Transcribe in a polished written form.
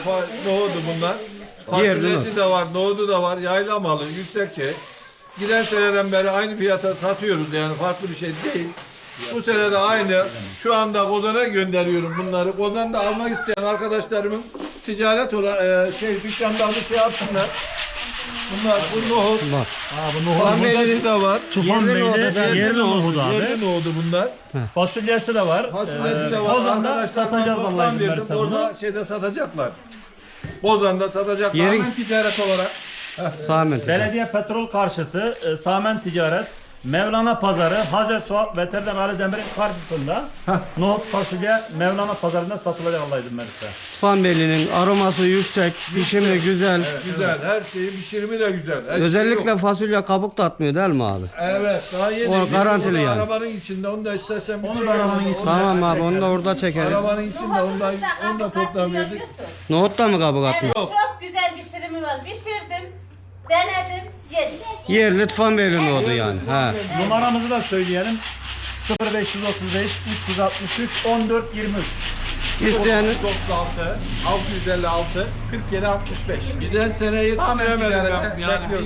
nohudu bunlar. Fasulyesi de var, nohudu da var. Yayla malı, yüksek şey. Giden seneden beri aynı fiyata satıyoruz yani farklı bir şey değil. Bu sene de aynı. Şu anda Kozan'a gönderiyorum bunları. Kozan'da almak isteyen arkadaşlarımın ticaret dükkanda alıp şey yapsınlar. Bunlar bu nohut. Var. Bu nohut. Fasulyesi de var. Tufan Bey'de yerli nohudu abi. Yerli nohudu bunlar. Fasulyesi de var. Fasulyesi de var. Kozan'da Arkadaşlarıma satacağız toplam Allah'ın izniyle verdim. bunu. Orada şeyde satacaklar. Kozan'da satacaklar. Yerin- Hemen ticaret olarak. Sahmet. Belediye petrol karşısı Samen Ticaret Mevlana Pazarı Hazer Suat Veteriner Ali Demir'in karşısında nohut fasulye Mevlana Pazarı'nda satılacak Allah izin verirse. Tufan Beyli'nin aroması yüksek, pişimi güzel. Güzel. Her şeyi pişirimi de güzel. Her şey Özellikle yok. fasulye kabuk da atmıyor değil mi abi? Evet. Daha yeni. O garantili Onu yani. Arabanın içinde. Onu da istersen bir Onu da çekelim. arabanın içinde. Tamam abi onu da orada çekeriz. Arabanın içinde onu da toplam verdik. Nohut da mı kabuk atmıyor? Evet, çok güzel pişirimi var. Pişirdim, denedim, yedim. Yerli Tufan Beyli nohudu yani. Ha. Numaramızı da söyleyelim. 0535 363 14 23. İsteyen 36 656 47 65. Giden sene yetiştiremedim ben. Yani